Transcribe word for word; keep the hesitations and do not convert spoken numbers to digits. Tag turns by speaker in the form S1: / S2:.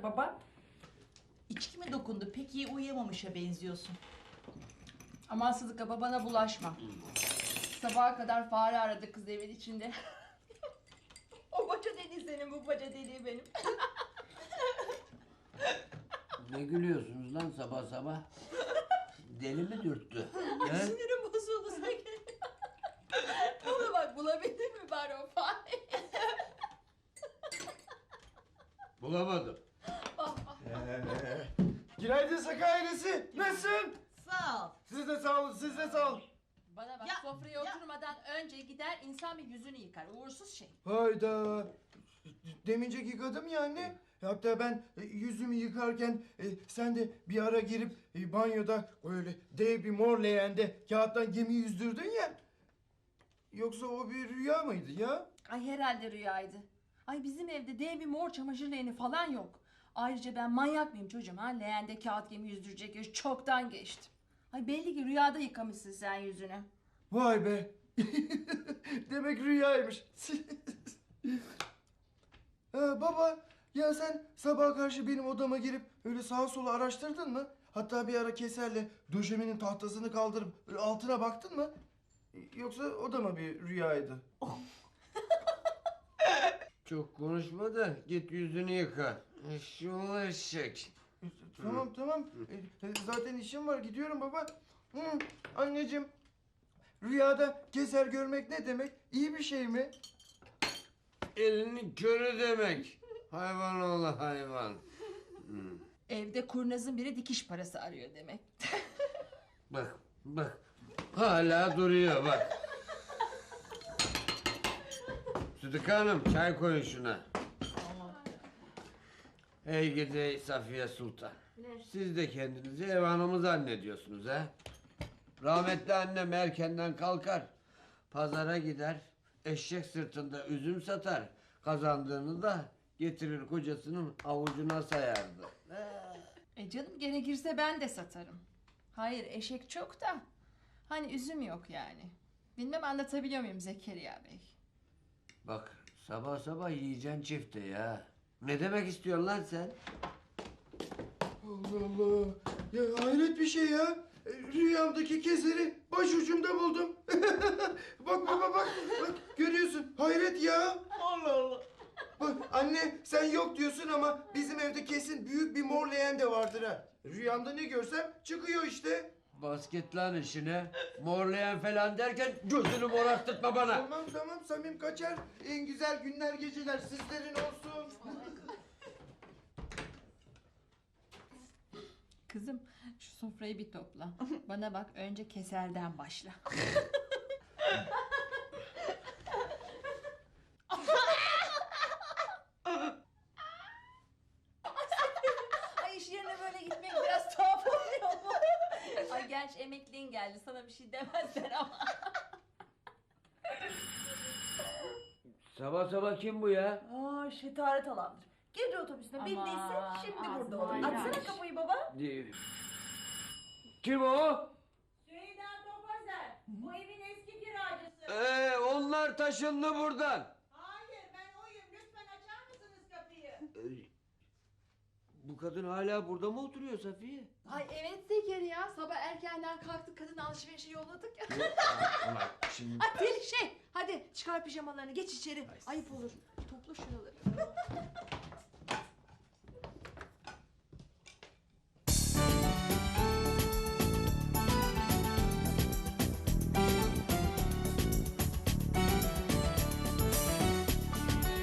S1: baba?
S2: İçki mi dokundu? Pek iyi uyuyamamışa benziyorsun.
S1: Aman Sıdıka babana bulaşma. Sabaha kadar fare aradı kız evin içinde. O baca deliği senin, bu baca deliği benim.
S3: Ne gülüyorsunuz lan sabah sabah? Deli mi dürttü? He?
S1: Sinirim bozuldu Zekeriya. Ona bak, bulabildin mi bari o fareyi?
S3: Bulamadım.
S4: Günaydın Saka ailesi. Nasılsın?
S2: Sağ ol.
S4: Siz de sağ olun, siz de sağ olun.
S1: Bana bak,
S2: Ya,
S1: sofraya
S2: ya.
S1: oturmadan önce gider insan bir yüzünü yıkar. Uğursuz şey.
S4: Hayda. Demincek yıkadım ya anne. Hatta ben e, yüzümü yıkarken e, sen de bir ara girip e, banyoda öyle dev bir mor leğende kağıttan gemi yüzdürdün ya. Yoksa o bir rüya mıydı ya?
S1: Ay herhalde rüyaydı. Ay bizim evde dev bir mor çamaşır leğeni falan yok. Ayrıca ben manyak mıyım çocuğum ha? Leğende kağıt gemi yüzdürecek yaş çoktan geçtim. Ay belli ki rüyada yıkamışsın sen yüzünü.
S4: Vay be. Demek rüyaymış. Ha, baba ya sen sabaha karşı benim odama girip öyle sağa sola araştırdın mı? Hatta bir ara keserle döşemenin tahtasını kaldırıp altına baktın mı? Yoksa o da mı bir rüyaydı?
S3: Çok konuşma da git yüzünü yıka. Şu eşek.
S4: Tamam tamam. E, e, Zaten işim var, gidiyorum baba. Hı, anneciğim, rüyada keser görmek ne demek? İyi bir şey mi?
S3: Elini körü demek. Hayvan oğlu hayvan.
S1: Evde kurnazın biri dikiş parası arıyor demek.
S3: Bak bak. Hala duruyor bak. Sıdıka Hanım çay koyun şuna. Ey gidi Safiye Sultan. Siz de kendinizi ev hanımı zannediyorsunuz ha? Rahmetli annem erkenden kalkar. Pazara gider. Eşek sırtında üzüm satar. Kazandığını da getirir kocasının avucuna sayardı.
S1: E canım gerekirse ben de satarım. Hayır eşek çok da. Hani üzüm yok yani. Bilmem anlatabiliyor muyum Zekeriya Bey?
S3: Bak sabah sabah yiyeceksin çifte ya. Ne demek istiyorsun lan sen?
S4: Allah Allah. Ya hayret bir şey ya. E, Rüyamdaki keseri başucumda buldum. Bak baba bak. Bak görüyorsun. Hayret ya.
S2: Allah Allah.
S4: Bak anne sen yok diyorsun ama bizim evde kesin büyük bir mor leğen de vardır ha. Rüyamda ne görsem çıkıyor işte.
S3: Basket lan işine. Morlayan falan derken gözünü morartırtma bana.
S4: Tamam tamam Samim kaçar. En güzel günler geceler sizlerin olsun.
S1: Kızım şu sofrayı bir topla. Bana bak önce keserden başla. Ay iş yerine böyle gitmek biraz tuhaf oluyor mu? Ay gerçi emekliğin geldi sana bir şey demezler ama.
S3: Sabah sabah kim bu ya?
S2: Aa, şetaret alandır. Gece otobüsüne bindiyse
S1: Aman,
S2: şimdi burada
S1: ağzına
S2: olur.
S1: ayran.
S2: Açsana kapıyı baba.
S3: Kim o?
S5: Süheyda Topazer, bu evin eski kiracısı.
S3: Ee, onlar taşındı buradan.
S5: Hayır, ben oyum. Lütfen açar mısınız kapıyı?
S3: Ee, bu kadın hala burada mı oturuyor Safiye?
S1: Ay evet Zekeriya sabah erkenden kalktık kadını alışverişe yolladık ya.
S3: Ama şimdi...
S1: Ay deli şey hadi çıkar pijamalarını geç içeri ayıp olur.